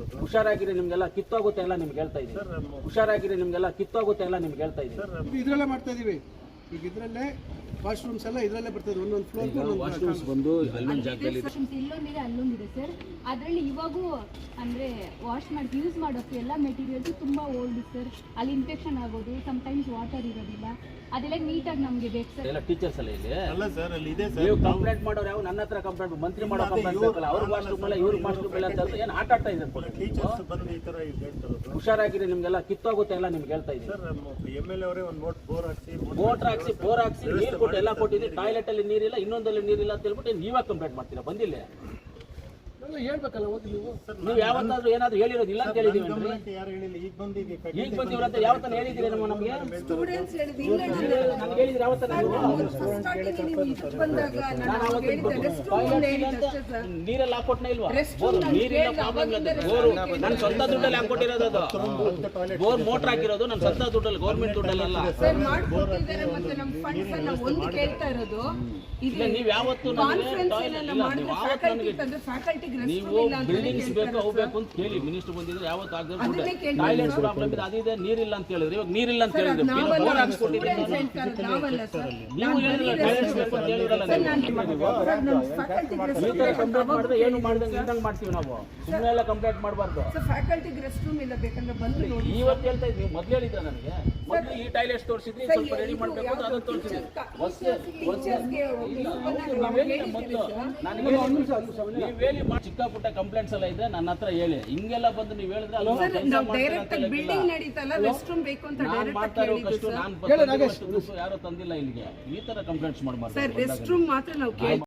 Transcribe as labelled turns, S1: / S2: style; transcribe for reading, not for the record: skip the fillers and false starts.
S1: ಹುಷಾರಾಗಿರಿ, ನಿಮ್ಗೆಲ್ಲ ಕಿತ್ತೋಗುತ್ತೆ ಎಲ್ಲ ನಿಮ್ಗೆ ಹೇಳ್ತಾ ಇದ್ದೀನಿ. ಹುಷಾರಾಗಿರಿ, ನಿಮ್ಗೆಲ್ಲ ಕಿತ್ತೋಗುತ್ತೆ ಎಲ್ಲ ನಿಮ್ಗೆ ಹೇಳ್ತಾ ಇದ್ದೀನಿ.
S2: ಇದ್ರಲ್ಲೇ ಮಾಡ್ತಾ ಇದೀವಿ ಈಗ. ಇದ್ರಲ್ಲೇ ವಾಶ್ರೂಮ್ಸ್ ಎಲ್ಲ ಇದ್ರಲ್ಲೇ ಬರ್ತದೆ. ಒಂದೊಂದು ಫ್ಲೋರ್
S1: ವಾಶ್ರೂಮ್ಸ್ ಬಂದು ಅಲ್ಲೊಂದು ಜಾಗದಲ್ಲಿ
S3: ಇಲ್ಲೊಂದಿದೆ, ಅಲ್ಲೊಂದಿದೆ ಸರ್. ಅದರಲ್ಲಿ ಇವಾಗೂ ಅಂದ್ರೆ ವಾಶ್ ಮಾಡಿ ಯೂಸ್ ಮಾಡೋಕ್ಕೆ ಎಲ್ಲ ಮೆಟೀರಿಯಲ್ಸ್ ತುಂಬಾ ಓಲ್ಡ್ ಸರ್. ಅಲ್ಲಿ ಇನ್ಫೆಕ್ಷನ್ ಆಗೋದು, ಸಮ್ಟೈಮ್ಸ್ ವಾಟರ್ ಇರೋದಿಲ್ಲ, ಅದೆಲ್ಲ ನೀಟಾಗಿ ನಮ್ಗೆ ಬೇಕು ಸರ್.
S1: ಎಲ್ಲ ಟೀಚರ್ಸ್ ಎಲ್ಲ ಇಲ್ಲಿ
S4: ಅಲ್ಲ ಸರ್, ಅಲ್ಲಿ ಇದೆ ಸರ್.
S1: ನೀವು ಕಂಪ್ಲೇಂಟ್ ಮಾಡೋರು ಯಾವ ನನ್ನ ಹತ್ರ ಕಂಪ್ಲೇಂಟ್ ಮಂತ್ರಿ ಮಾಡೋ ಕಂಪ್ಲೇಂಟ್ ಬೇಕಲ್ಲ. ಅವ್ರ ವಾಶ್ರೂಮ್ ಎಲ್ಲ ಇವ್ರ ವಾಶ್ರೂಮ್ ಎಲ್ಲ ಅಂತ ಏನು ಆಟ ಆಡ್ತಾ ಇದ್ದಾರೆ.
S4: ಟೀಚರ್ಸ್ ಬಂದು ಈ ತರ ಹೇಳ್ತಾರೆ.
S1: ಹುಷಾರಾಗಿರಿ, ನಿಮ್ಗೆಲ್ಲ ಕಿತ್ತೋಗುತ್ತೆ ಎಲ್ಲ ನಿಮ್ಗೆ ಹೇಳ್ತಾ ಇದ್ದೀನಿ.
S4: ಸರ್ MLA ಅವರೇ ಒಂದು ಬೋರ್ ಹಾಕ್ಸಿ
S1: ನೀರು ಕೊಟ್ಟು ಎಲ್ಲ ಕೊಟ್ಟಿದ್ದೀವಿ. ಟಾಯ್ಲೆಟ್ ಅಲ್ಲಿ ನೀರಿಲ್ಲ, ಇನ್ನೊಂದಲ್ಲಿ ನೀರಿಲ್ಲ ಅಂತ ಹೇಳ್ಬಿಟ್ಟು ನೀವೇ ಕಂಪ್ಲೇಂಟ್ ಮಾಡ್ತೀರಾ. ಬಂದಿಲ್ಲ
S2: ಹೇಳ್ಬೇಕಲ್ಲ ಹೋಗಿ
S1: ನೀವು ಯಾವತ್ತಾದ್ರೂ ಏನಾದ್ರು ಹೇಳಿರೋದಿಲ್ಲ ಅಂತ ಹೇಳಿದೀವಿ.
S4: ಯಾರು ಹೇಳಿಲ್ಲ, ಈಗ ಬಂದಿದೆ.
S1: ಈಗ ಬಂದಿವ್ರಂತ ಯಾವತ್ತಾನ ಹೇಳಿದ್ದೀರಿ ನಮ್ಮ ನಮಗೆ
S5: ಸ್ಟೂಡೆಂಟ್ಸ್ ಹೇಳಿದ್ರು
S1: ನನಗೆ ಹೇಳಿದ್ರೆ ಯಾವತ್ತಾನ ನೀರೆಲ್ಲ ಹಾಕೊಟ್ನ ಇಲ್ವಾ? ನೀರಿಲ್ಲ ಪ್ರಾಬ್ಲಮ್ ಇಲ್ಲ. ಬೋರು ನನ್ನ ಸ್ವಂತ ದುಡ್ಡಲ್ಲಿ ಹಾಕೊಟ್ಟಿರೋದು. ಅದು ಬೋರ್ ಮೋಟರ್ ಹಾಕಿರೋದು ನನ್ನ ಸ್ವಂತ ದುಡ್ಡಲ್ಲಿ, ಗೌರ್ಮೆಂಟ್ ದುಡ್ಡಲ್ಲ.
S5: ಸರ್ ಮಾಡ್ಕೊಟ್ಟಿದ್ದಾರೆ. ಮತ್ತೆ ನಮ್ಮ ಫಂಡ್ಸ್ ಅನ್ನ ಒಂದು ಕೇಳ್ತಾ ಇರೋದು
S1: ಇಲ್ಲ. ನೀವು ಯಾವತ್ತು ನೀವು ಬಿಲ್ಡಿಂಗ್ಸ್ ಬೇಕು ಅವು ಬೇಕು ಅಂತ ಕೇಳಿ ಮಿನಿಸ್ಟರ್ ಬಂದಿದ್ರೆ ಯಾವತ್ತು ಆಗದೆ ಟಾಯ್ಲೆಟ್ಸ್ ಪ್ರಾಬ್ಲಮ್ ಇದೆ, ಅದಿದೆ, ನೀರಿಲ್ಲ ಅಂತ ಹೇಳಿದ್ರೆ. ಇವಾಗ ನೀರಿಲ್ಲ ಅಂತ ಹೇಳಿದ್ರೆ ಬೋರ್ ಹಾಕ್ಸ್ಕೊಟ್ಟಿದ್ದೀನಿ. ನೀವು ಹೇಳಿದ್ರೆ ಟಾಯ್ಲೆಟ್ಸ್ ಬೇಕು ಅಂತ ಹೇಳಿರಲ್ಲ. ಈ ತರ ಕಂಪ್ಲೇಂಟ್ ಮಾಡಿದ್ರೆ ಏನು ಮಾಡ್ದಂಗೆ ಇದ್ದಂಗೆ ಮಾಡ್ತೀವಿ ನಾವು. ಸುಮ್ಮನೆ ಎಲ್ಲ ಕಂಪ್ಲೇಂಟ್ ಮಾಡಬಾರ್ದು.
S5: ಫ್ಯಾಕಲ್ಟಿಗೆ ರೆಸ್ಟ್ ರೂಮ್ ಇಲ್ಲ, ಬೇಕಂದ್ರೆ ಬಂದು ನೋಡಿ.
S1: ಇವತ್ತು ಹೇಳ್ತಾ ಇದ್ವಿ, ಮೊದಲು ಹೇಳಿದ್ರೆ ನನಗೆ ಮೊದಲು ಈ ಟಾಯ್ಲೆಟ್ಸ್ ತೋರಿಸಿದ್ರಿ, ಸ್ವಲ್ಪ ರೆಡಿ ಮಾಡಬೇಕು ಅಂತ ಅದನ್ನು ತೋರಿಸಿದ್ರಿ. ಚಿಕ್ಕ ಪುಟ್ಟ ಕಂಪ್ಲೇಂಟ್ಸ್ ಎಲ್ಲ ಇದ್ರೆ ನನ್ನ ಹತ್ರ ಹೇಳಿ. ಹಿಂಗೆಲ್ಲ ಬಂದು ನೀವು ಹೇಳಿದ್ರೆ
S5: ಬಿಲ್ಡಿಂಗ್ ನಡೀತಲ್ಲ, ರೆಸ್ಟ್ ರೂಮ್ ಬೇಕು ಅಂತ
S1: ನಾನು ಮಾಡ್ತಾ ಇರೋ ಕಷ್ಟ ನಾನು ಯಾರೋ ತಂದಿಲ್ಲ ಇಲ್ಲಿಗೆ. ಈ ತರ ಕಂಪ್ಲೇಂಟ್ಸ್ ಮಾಡಬಾರ್ದು.
S5: ರೆಸ್ಟ್ ರೂಮ್ ಮಾತ್ರ ನಾವು